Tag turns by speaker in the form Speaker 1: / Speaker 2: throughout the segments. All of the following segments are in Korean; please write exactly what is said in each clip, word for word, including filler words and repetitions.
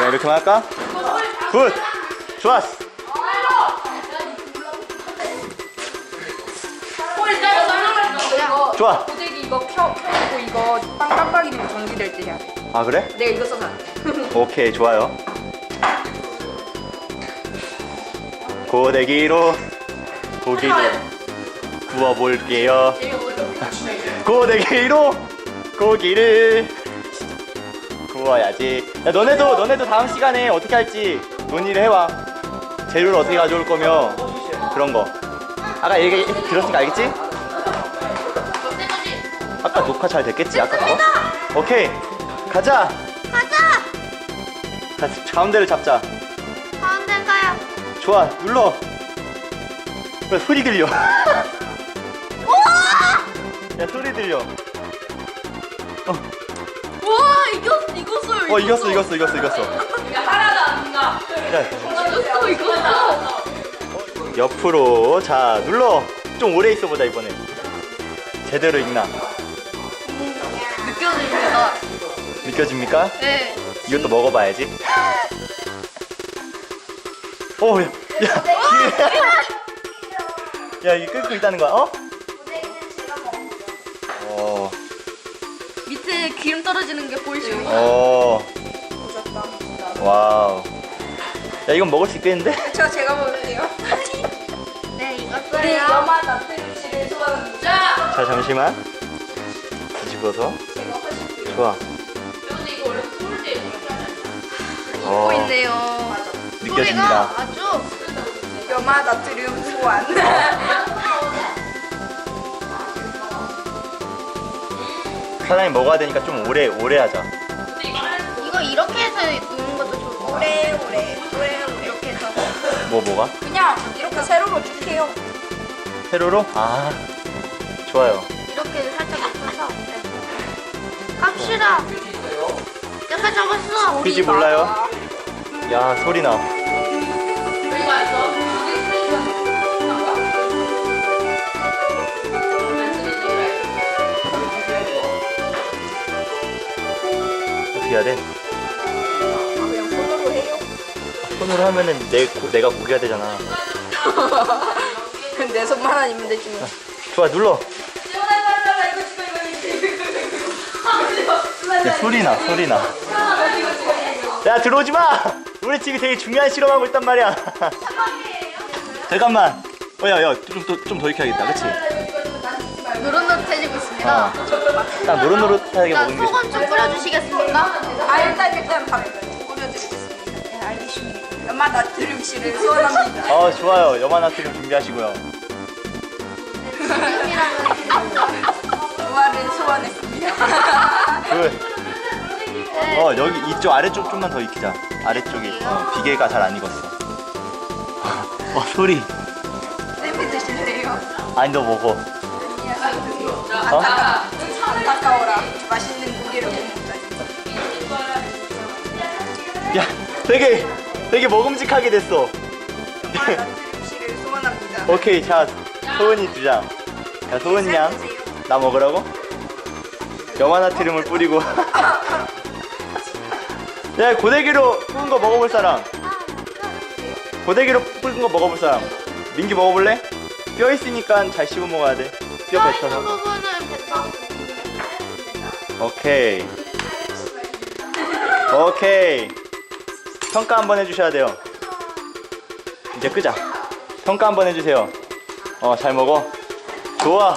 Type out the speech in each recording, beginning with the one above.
Speaker 1: 이렇게만 할까? 굿! 좋았어! 좋아!
Speaker 2: 고데기 이거 켜, 켜고 이거 빵 깜빡이면 정지될 때 해야 돼.
Speaker 1: 아 그래?
Speaker 2: 내가 이거 써서
Speaker 1: 오케이 좋아요. 고데기로 고기를 구워볼게요. 고데기로 고기를 구워야지. 야, 너네도 너네도 다음 시간에 어떻게 할지 논의를 해와. 재료를 어떻게 가져올 거며 그런 거. 아까 얘기 들었으니까 알겠지? 아까 녹화 잘 됐겠지? 아까 거? 오케이 가자.
Speaker 3: 가자.
Speaker 1: 가, 가운데를 잡자.
Speaker 3: 가운데 가요.
Speaker 1: 좋아 눌러. 왜 소리 들려?
Speaker 3: 우와!
Speaker 1: 야 소리 들려. 어,
Speaker 3: 우와 이겼 이겼어요.
Speaker 1: 어 이겼어 이겼어 이겼어 이겼어.
Speaker 2: 야 하나도 안 가.
Speaker 1: 야,
Speaker 3: 이겼어 이겼어.
Speaker 1: 옆으로 자 눌러. 좀 오래 있어 보자 이번에. 제대로 익나
Speaker 3: 느껴집니다.
Speaker 1: 느껴집니까?
Speaker 3: 네.
Speaker 1: 이것도 먹어봐야지. 오, 야, 야, 야, 이게 끓고 있다는 거야? 어? 어,
Speaker 3: 밑에 기름 떨어지는 게 보이시죠?
Speaker 1: 어, 와우. 야, 이건 먹을 수 있겠는데?
Speaker 2: 저 제가 먹을게요.
Speaker 3: 네
Speaker 2: 우리
Speaker 3: 이겼어요.
Speaker 2: 염화 나트륨씨를 소환합니다.
Speaker 1: 자, 잠시만. 뒤집어서. 좋아.
Speaker 2: 근데 이거 원래 쏠 때.
Speaker 1: 어,
Speaker 3: 보고 있네요.
Speaker 1: 느껴집니다.
Speaker 3: 소리가 아주
Speaker 2: 염화 나트륨 소환.
Speaker 1: 사장님 먹어야 되니까 좀 오래, 오래 하자.
Speaker 3: 이거 이렇게 해서 놓는 것도 좋고.
Speaker 2: 오래 오래 오래 오래.
Speaker 3: 이렇게 해서.
Speaker 1: 뭐, 뭐가?
Speaker 2: 그냥 이렇게 세로로 쭉 해요.
Speaker 1: 세로로? 아, 좋아요.
Speaker 3: 이렇게 살짝 입혀서. 네. 갑시다. 내가 잡았어.
Speaker 1: 퀴즈 몰라요? 야, 소리 나. 어떻게 해야 돼?
Speaker 2: 그냥 손으로 해요.
Speaker 1: 손으로 하면은 내, 고- 내가 고기가 되잖아.
Speaker 2: 내 손만 아니면 되지 뭐.
Speaker 1: 좋아, 눌러. 야, 소리 나, 소리 나. 야, 들어오지 마! 우리 지금 되게 중요한 실험하고 있단 말이야. 잠깐만. 어, 야, 야, 좀, 더- 좀 더 익혀야겠다, 그치?
Speaker 3: 노릇노릇해지고 있습니다.
Speaker 1: 어. 딱 노릇노릇하게
Speaker 3: 일단
Speaker 1: 먹는 게.
Speaker 3: 소금 좀 뿌려주시겠습니까?
Speaker 2: 아 일단 일단 밥 뿌려드리겠습니다. 네 알겠습니다. 염화 나트륨씨를 소환합니다.
Speaker 1: 어, 좋아요. 염화나트륨 준비하시고요.
Speaker 2: 조화를 소환했습니다.
Speaker 1: 그, 어, 여기 이쪽 아래쪽 좀만 더 익히자. 아래쪽이 어, 비계가 잘 안 익었어. 어, 소리.
Speaker 2: 쌤이 드실래요?
Speaker 1: 아니, 너 먹어. 어?
Speaker 2: 안타까워라. 맛있는 고기를 못 먹다니.
Speaker 1: 야, 되게, 되게 먹음직하게 됐어.
Speaker 2: 염화 나트륨씨를 소환합니다.
Speaker 1: 오케이, 자, 소은이 두 장. 자, 소은 양. 나 먹으라고? 염화나트륨을 뿌리고. 야, 고데기로 볶은 거 먹어볼 사람. 고데기로 볶은 거 먹어볼 사람. 민기 먹어볼래? 뼈 있으니까 잘 씹어 먹어야 돼. 뼈
Speaker 3: 뼈
Speaker 1: 뱉어서.
Speaker 3: 있는 부분은 뱉어.
Speaker 1: 오케이. 오케이. 평가 한번 해주셔야 돼요. 이제 끄자. 평가 한번 해주세요. 어, 잘 먹어. 좋아.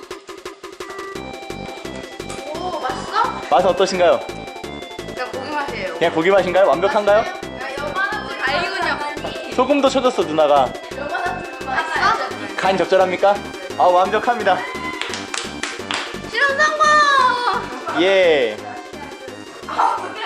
Speaker 3: 오 맛있어?
Speaker 1: 맛은 어떠신가요?
Speaker 3: 그냥 고기 맛이에요.
Speaker 1: 그냥 고기 맛인가요? 완벽한가요?
Speaker 3: 야 여만한 다이군요.
Speaker 1: 소금도 쳐줬어, 누나가.
Speaker 3: 맛있어?
Speaker 1: 간 적절합니까? 아, 완벽합니다.
Speaker 3: 실험 성공!
Speaker 1: 예.
Speaker 2: 아 근데